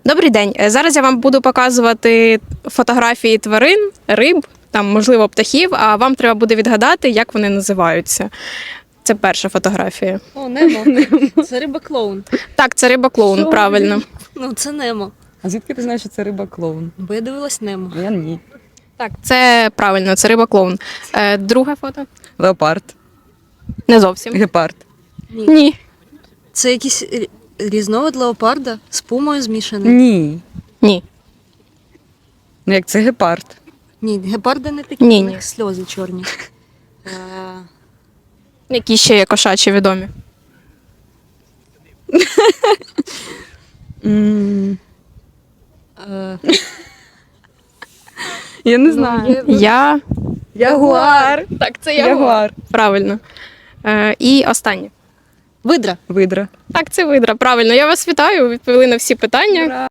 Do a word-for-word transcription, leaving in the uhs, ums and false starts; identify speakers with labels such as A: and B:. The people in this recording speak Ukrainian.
A: Добрий день. Е, Зараз я вам буду показувати фотографії тварин, риб, там, можливо, птахів, а вам треба буде відгадати, як вони називаються. Це перша фотографія.
B: О, Немо. Це риба-клоун.
A: Так, це риба-клоун,
C: Що?
A: правильно.
B: Ну, це Немо.
C: А звідки ти знаєш, що це риба-клоун?
B: Бо я дивилась Немо.
C: Я ні.
A: Так, це правильно, це риба-клоун. Е, Друге фото?
C: Леопард,
A: Не зовсім.
C: гепард.
B: Ні.
A: Ні.
B: Це якийсь рі- різновид леопарда з пумою змішаний.
C: Ні.
A: Ні.
C: Ну як це гепард?
B: Ні, гепарди не такі,
A: Ні,
B: у
A: ні.
B: них сльози чорні. Е,
A: Які ще є кошачі відомі?
C: М,
B: е,
C: Я не
B: ну,
C: знаю.
B: є-
A: Я.
C: Ягуар.
A: Так, це
C: Ягуар.
A: Правильно. Е, І останнє.
B: Видра.
C: Видра.
A: Так, це видра. Правильно. Я вас вітаю. Ви відповіли на всі питання.
C: Ура!